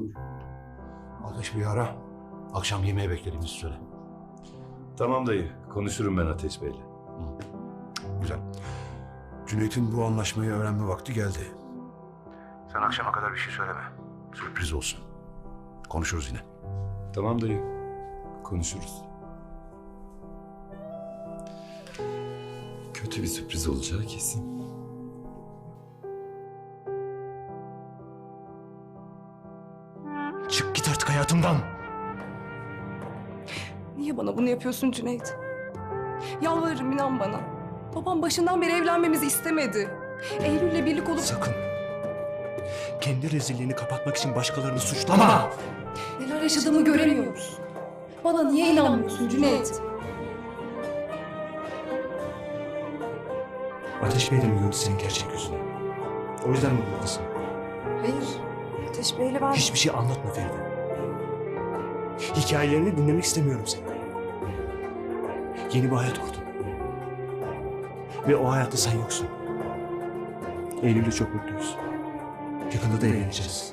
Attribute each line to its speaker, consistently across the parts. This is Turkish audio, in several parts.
Speaker 1: Buyur. Ateş bir ara. Akşam yemeğe beklediğimizi söyle.
Speaker 2: Tamam dayı, konuşurum ben Ateş Bey'le.
Speaker 1: Güzel. Cüneyt'in bu anlaşmayı öğrenme vakti geldi. Sen akşama kadar bir şey söyleme. Sürpriz olsun. Konuşuruz yine.
Speaker 2: Tamam dayı, konuşuruz. Kötü bir sürpriz olacağı kesin.
Speaker 1: Çık git artık hayatımdan.
Speaker 3: Niye bana bunu yapıyorsun Cüneyt? Yalvarırım, inan bana. Babam başından beri evlenmemizi istemedi. Eylül'le birlik olup
Speaker 4: Sakın. Kendi rezilliğini kapatmak için başkalarını suçlama.
Speaker 3: neler yaşadığımı göremiyoruz. Bana niye inanmıyorsun Cüneyt?
Speaker 4: Ateş Bey de mi gördü senin gerçek yüzünü? O yüzden mi buradasın?
Speaker 3: Hayır. Ateş Bey'le ben...
Speaker 4: Hiçbir şey anlatma Feride. Hikayelerini dinlemek istemiyorum seni. Yeni bir hayat kurdun. Ve o hayatta sen yoksun. Eylül'le çok mutluyuz. Yakında da evleneceğiz.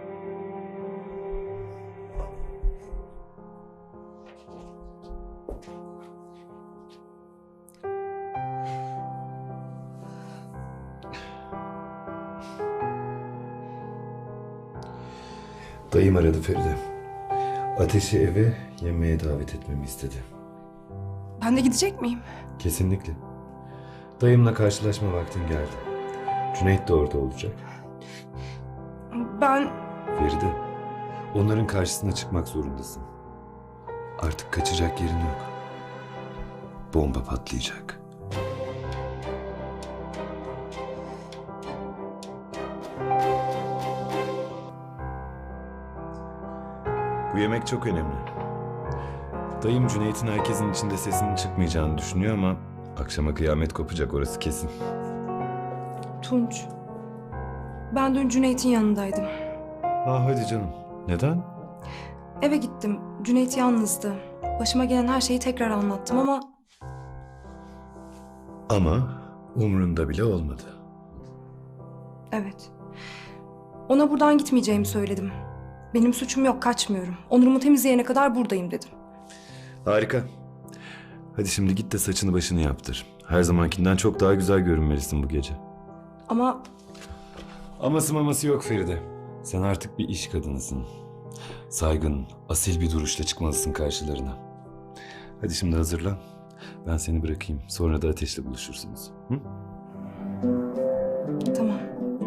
Speaker 2: Dayım aradı Feride. Ateş'i eve yemeğe davet etmemi istedi.
Speaker 3: Ben de gidecek miyim?
Speaker 2: Kesinlikle. Dayımla karşılaşma vaktin geldi. Cüneyt de orada olacak.
Speaker 3: Ben...
Speaker 2: Feride, onların karşısına çıkmak zorundasın. Artık kaçacak yerin yok. Bomba patlayacak. Bu yemek çok önemli. Dayım Cüneyt'in herkesin içinde sesinin çıkmayacağını düşünüyor ama akşama kıyamet kopacak, orası kesin.
Speaker 3: Tunç. Ben dün Cüneyt'in yanındaydım.
Speaker 2: Hadi canım. Neden?
Speaker 3: Eve gittim. Cüneyt yalnızdı. Başıma gelen her şeyi tekrar anlattım ama...
Speaker 2: Ama umrunda bile olmadı.
Speaker 3: Evet. Ona buradan gitmeyeceğimi söyledim. Benim suçum yok, kaçmıyorum. Onurumu temizleyene kadar buradayım dedim.
Speaker 2: Harika. Hadi şimdi git de saçını başını yaptır. Her zamankinden çok daha güzel görünmelisin bu gece.
Speaker 3: Ama
Speaker 2: Aması maması yok Feride. Sen artık bir iş kadınısın. Saygın, asil bir duruşla çıkmalısın karşılarına. Hadi şimdi hazırlan. Ben seni bırakayım. Sonra da Ateş'le buluşursunuz. Hı?
Speaker 3: tamam.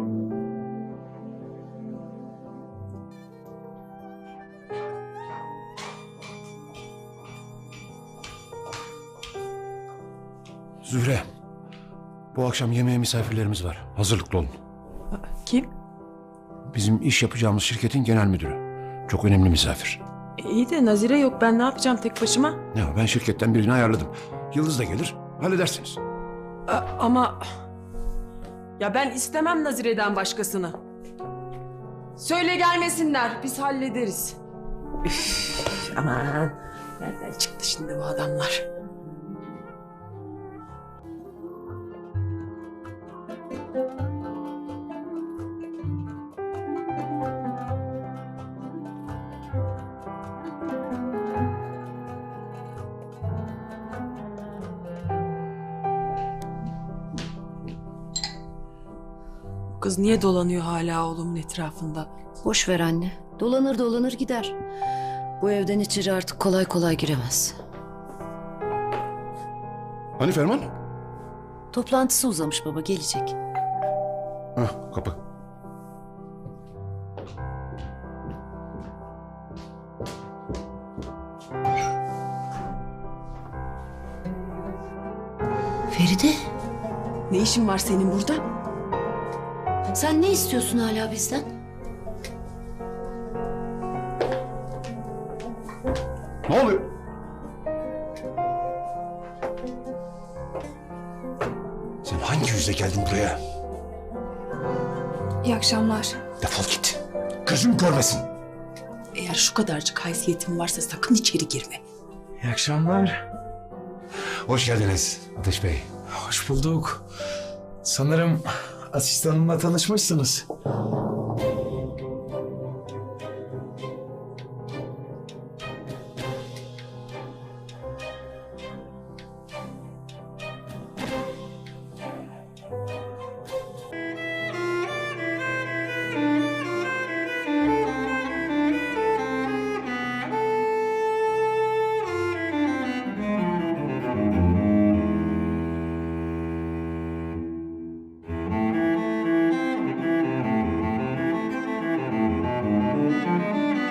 Speaker 1: Zühre. Bu akşam yemeğe misafirlerimiz var. Hazırlıklı olun.
Speaker 5: Kim?
Speaker 1: Bizim iş yapacağımız şirketin genel müdürü. Çok önemli misafir.
Speaker 5: İyi de Nazire yok. Ben ne yapacağım tek başıma?
Speaker 1: Ya ben şirketten birini ayarladım. Yıldız da gelir. Halledersiniz.
Speaker 5: Ama... Ya ben istemem Nazire'den başkasını. Söyle gelmesinler. Biz hallederiz. Üf, aman. Nereden çıktı şimdi bu adamlar? Bu kız niye dolanıyor hala oğlumun etrafında?
Speaker 6: Boş ver anne. Dolanır dolanır gider. Bu evden içeri artık kolay kolay giremez.
Speaker 1: Hani Ferman?
Speaker 6: Toplantısı uzamış baba, gelecek.
Speaker 1: Hah, kapı.
Speaker 6: Feride,
Speaker 5: Ne işin var senin burada?
Speaker 6: sen ne istiyorsun hala bizden?
Speaker 1: Ne oluyor? Sen hangi yüzle geldin buraya?
Speaker 3: İyi akşamlar.
Speaker 1: Defol git. Gözüm görmesin.
Speaker 5: Eğer şu kadarcık haysiyetin varsa sakın içeri girme.
Speaker 4: İyi akşamlar.
Speaker 1: Hoş geldiniz Ateş Bey.
Speaker 4: Hoş bulduk. Sanırım asistanımla tanışmışsınız.